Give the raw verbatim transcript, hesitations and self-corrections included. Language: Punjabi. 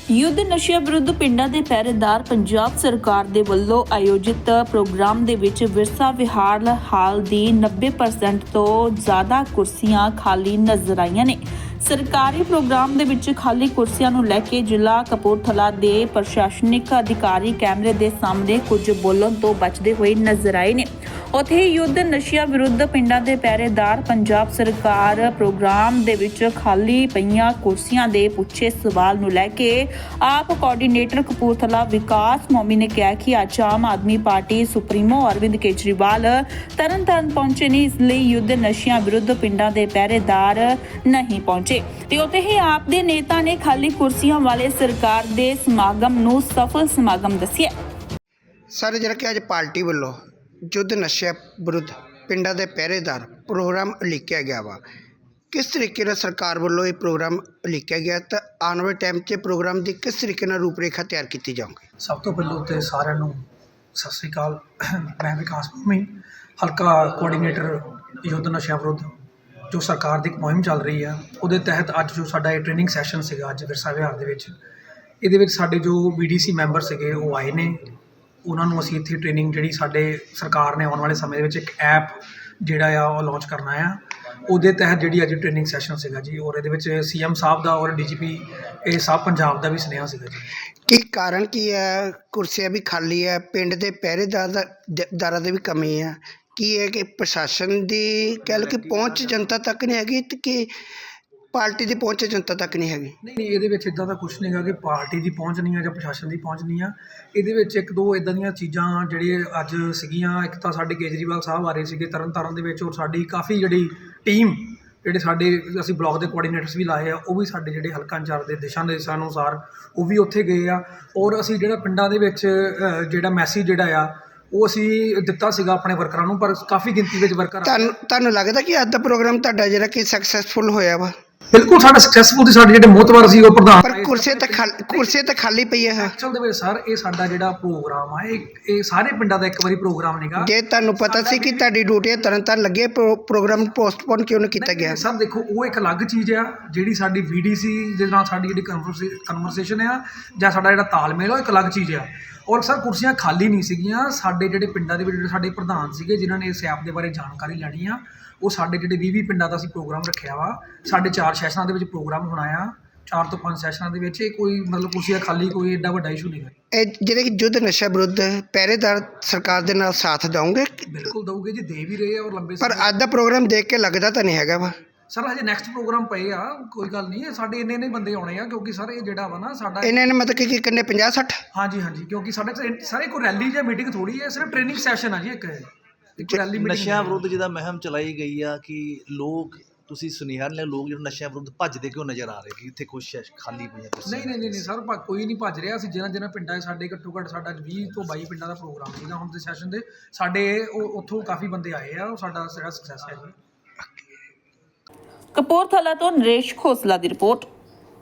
युद्ध नशे विरुद्ध पिंडां दे पहरेदार पंजाब सरकार दे वल्लों आयोजित प्रोग्राम दे विच विरसा विहार हाल दी नब्बे परसेंट तो ज़्यादा कुर्सियां खाली नजर आईयां ने। सरकारी प्रोग्राम दे विच खाली कुर्सियां नूं लैके जिला कपूरथला दे प्रशासनिक अधिकारी कैमरे दे सामने कुछ बोलण तो बचदे होए नजर आए ने। उत्थे युद्ध नशिया विरुद्ध पिंडां दे पहरेदार पंजाब सरकार प्रोग्राम दे विच खाली पईयां कुर्सियां दे पुछे सवाल नूं लैके आप कोआर्डीनेटर कपूरथला विकास मोमी ने कहा कि अज आम आदमी पार्टी सुप्रीमो अरविंद केजरीवाल तरन ताਰਨ पहुंचे ने, इसलिए युद्ध नशियां विरुद्ध पिंडां दे पहरेदार नहीं पहुंचे। ते उत्थे ही आप दे नेता ने खाली कुर्सियां वाले सरकार दे समागम नूं सफल समागम दस्सिया। सर जरा कि अज पार्टी वालों युद्ध नशे विरुद्ध पिंडां दे पहरेदार प्रोग्राम उलीकिया गया वा, किस तरीके नाल सरकार वालों ये प्रोग्राम उलीकिया गया तो आने वाले टाइम च प्रोग्राम की किस तरीके नाल रूपरेखा तैयार की जाऊगी? सब तो पहलों तो साਰਿਆਂ ਨੂੰ सत श्री अकाल। मैं विकास भूमि हल्का कोआर्डीनेटर युद्ध नशा विरुद्ध जो सरकार की मुहिम चल रही है वो तहत अज जो साडा ट्रेनिंग सैशन से अज विरसा विहार ये साडे जो बी डी सी मैंबर से वो आए ने, उन्होंने असी इत्थे ट्रेनिंग जी साडे सरकार ने आने वाले समय में एक ऐप जोड़ा आ लॉन्च करना है, ਉਹਦੇ तहत जी अज ट्रेनिंग सैशन सीगा जी, और ये सी एम साहब का और डी जी पी ए साहब पंजाब का भी सुनेहा सीगा जी। की कारण की है कुर्सियां भी खाली है, पिंड के पहरेदार की भी कमी है, की है कि प्रशासन की कह लो कि पहुँच जनता तक नहीं हैगी कि पार्टी की पहुँच जनता तक नहीं हैगी? नहीं नहीं ये इदा का कुछ नहीं है कि पार्टी की पहुँच नहीं है या प्रशासन की पहुँच नहीं है। ये एक दो इदा दी चीज़ां जी अज सीगियां, एक तो साडे केजरीवाल साहब आ रहे थे तरन तारण दे विच, और साडी काफ़ी जी टीम ਜਿਹੜੇ ਸਾਡੇ ਅਸੀਂ ਬਲਾਕ ਦੇ ਕੋਆਰਡੀਨੇਟਰਸ ਵੀ ਲਾਏ ਆ, ਉਹ ਵੀ ਸਾਡੇ ਜਿਹੜੇ ਹਲਕਾ ਇੰਚਾਰਜ ਦੇ ਦਿਸ਼ਾ ਨਿਰਦੇਸ਼ਾਂ ਅਨੁਸਾਰ ਉਹ ਵੀ ਉੱਥੇ ਗਏ ਆ, ਔਰ ਅਸੀਂ ਜਿਹੜਾ ਪਿੰਡਾਂ ਦੇ ਵਿੱਚ ਜਿਹੜਾ ਮੈਸੇਜ ਜਿਹੜਾ ਆ ਉਹ ਅਸੀਂ ਦਿੱਤਾ ਸੀਗਾ ਆਪਣੇ ਵਰਕਰਾਂ ਨੂੰ, ਪਰ ਕਾਫੀ ਗਿਣਤੀ ਵਿੱਚ ਵਰਕਰ ਤੁਹਾਨੂੰ ਤੁਹਾਨੂੰ ਲੱਗਦਾ ਕਿ ਅੱਜ ਦਾ ਪ੍ਰੋਗਰਾਮ ਤੁਹਾਡਾ ਜਿਹੜਾ ਕਿ ਸਕਸੈਸਫੁਲ ਹੋਇਆ ਵਾ? ਬਿਲਕੁਲ ਸਾਡਾ ਸਕਸੈਸਫੁਲ ਸੀ, ਸਾਡੇ ਜਿਹੜੇ ਮੋਹਤਵਾਰ ਸੀ ਉਹ ਪ੍ਰਧਾਨ ਪਰ ਕੁਰਸੀ ਤੇ ਖਾਲੀ ਕੁਰਸੀ ਤੇ ਖਾਲੀ ਪਈ ਹੈ। ਐਕਚੁਅਲ ਦੇ ਵਿੱਚ ਸਰ ਇਹ ਸਾਡਾ ਜਿਹੜਾ ਪ੍ਰੋਗਰਾਮ ਆ ਇਹ ਇਹ ਸਾਰੇ ਪਿੰਡਾਂ ਦਾ ਇੱਕ ਵਾਰੀ ਪ੍ਰੋਗਰਾਮ ਨਹੀਂਗਾ। ਜੇ ਤੁਹਾਨੂੰ ਪਤਾ ਸੀ ਕਿ ਤੁਹਾਡੀ ਡਿਊਟੀ ਤਰਨ ਤਾਰਨ ਲੱਗੇ, ਪ੍ਰੋਗਰਾਮ ਪੋਸਟਪੋਨ ਕਿਉਂ ਨਹੀਂ ਕੀਤਾ ਗਿਆ? ਸਰ ਦੇਖੋ ਉਹ ਇੱਕ ਅਲੱਗ ਚੀਜ਼ ਆ, ਜਿਹੜੀ ਸਾਡੀ ਵੀ ਡੀ ਸੀ ਦੇ ਨਾਲ ਸਾਡੀ ਜਿਹੜੀ ਕਨਵਰਸੇਸ਼ਨ ਆ ਜਾਂ ਸਾਡਾ ਜਿਹੜਾ ਤਾਲਮੇਲ ਉਹ ਇੱਕ ਅਲੱਗ ਚੀਜ਼ ਆ। ਔਰ ਸਰ ਕੁਰਸੀਆਂ ਖਾਲੀ ਨਹੀਂ ਸੀਗੀਆਂ, ਸਾਡੇ ਜਿਹੜੇ ਪਿੰਡਾਂ ਦੇ ਵਿੱਚ ਜਿਹੜੇ ਸਾਡੇ ਪ੍ਰਧਾਨ ਸੀਗੇ ਜਿਨ੍ਹਾਂ ਨੇ ਇਸ ਐਪ ਦੇ ਬਾਰੇ ਜਾਣਕਾਰੀ ਲੈਣੀ ਆ, ਉਹ ਸਾਡੇ ਜਿਹੜੇ ਵੀਹ ਵੀਹ ਪਿੰਡਾਂ ਦਾ ਅਸੀਂ ਪ੍ਰੋਗਰਾਮ ਰੱਖਿਆ ਵਾ, ਸਾਡੇ ਚਾਰ ਸੈਸ਼ਨਾਂ ਦੇ ਵਿੱਚ ਪ੍ਰੋਗਰਾਮ ਹੋਣਾ ਆ, ਚਾਰ ਤੋਂ ਪੰਜ ਸੈਸ਼ਨਾਂ ਦੇ ਵਿੱਚ। ਇਹ ਕੋਈ ਮਤਲਬ ਕੁਰਸੀਆਂ ਖਾਲੀ ਕੋਈ ਐਡਾ ਵੱਡਾ ਇਸ਼ੂ ਨਹੀਂ ਹੈ। ਇਹ ਜਿਹੜੇ ਕਿ ਯੁੱਧ ਨਸ਼ਾ ਵਿਰੁੱਧ ਪਹਿਰੇਦਾਰ ਸਰਕਾਰ ਦੇ ਨਾਲ ਸਾਥ ਦੇਵੋਗੇ? ਬਿਲਕੁਲ ਦਊਗੇ ਜੀ, ਦੇ ਵੀ ਰਹੇ ਆ ਔਰ ਲੰਬੇ ਪਰ ਅੱਜ ਦਾ ਪ੍ਰੋਗਰਾਮ ਦੇਖ ਕੇ ਲੱਗਦਾ ਤਾਂ ਨਹੀਂ ਹੈਗਾ ਵਾ ਸਰ ਹਜੇ ਨੈਕਸਟ ਪ੍ਰੋਗਰਾਮ ਪਏ ਆ, ਕੋਈ ਗੱਲ ਨਹੀਂ, ਸਾਡੇ ਇੰਨੇ ਇੰਨੇ ਬੰਦੇ ਆਉਣੇ ਆ, ਕਿਉਂਕਿ ਸਰ ਇਹ ਜਿਹੜਾ ਵਾ ਨਾ ਸਾਡਾ ਇਹਨਾਂ ਨੇ ਮਤਲਬ ਕਿ ਕਿੰਨੇ ਪੰਜਾਹ ਸੱਠ? ਹਾਂਜੀ ਹਾਂਜੀ, ਕਿਉਂਕਿ ਸਾਡੇ ਸਾਰੇ ਕੋਈ ਰੈਲੀ ਜਾਂ ਮੀਟਿੰਗ ਥੋੜੀ ਹੈ, ਸਿਰਫ ਟ੍ਰੇਨਿੰਗ ਸੈਸ਼ਨ ਆ ਜੀ ਇੱਕ ਰੈਲੀ ਮੀਟਿੰਗ। ਨਸ਼ਿਆਂ ਵਿਰੁੱਧ ਜਿਹਦਾ ਮੁਹਿੰਮ ਚਲਾਈ ਗਈ ਆ ਕਿ ਲੋਕ ਤੁਸੀਂ ਸੁਨੇਹਾ ਨੇ ਲੋਕ ਜਿਹੜੇ ਨਸ਼ਿਆਂ ਵਿਰੁੱਧ ਭੱਜਦੇ ਕਿਉਂ ਨਜ਼ਰ ਆ ਰਹੇ ਕਿ ਇੱਥੇ ਕੁਛ ਖਾਲੀ ਪਈਆਂ ਕੁਰਸੀਆਂ? ਨਹੀਂ ਨਹੀਂ ਨਹੀਂ ਸਰ, ਕੋਈ ਨਹੀਂ ਭੱਜ ਰਿਹਾ। ਅਸੀਂ ਜਿਹਨਾਂ ਜਿਹਨਾਂ ਪਿੰਡਾਂ 'ਚ ਸਾਡੇ ਘੱਟੋ ਘੱਟ ਸਾਡਾ ਵੀਹ ਤੋਂ ਬਾਈ ਪਿੰਡਾਂ ਦਾ ਪ੍ਰੋਗਰਾਮ ਸੀਗਾ ਹੁਣ ਦੇ ਸੈਸ਼ਨ ਦੇ, ਸਾਡੇ ਉਹ ਉੱਥੋਂ ਕਾਫੀ ਬੰਦੇ ਆਏ ਆ, ਉਹ ਸਾਡਾ ਜਿਹੜਾ ਸਕਸੈਸ ਹੈ ਜੀ। ਕਪੂਰਥਲਾ ਤੋਂ ਨਰੇਸ਼ ਖੋਸਲਾ ਦੀ ਰਿਪੋਰਟ।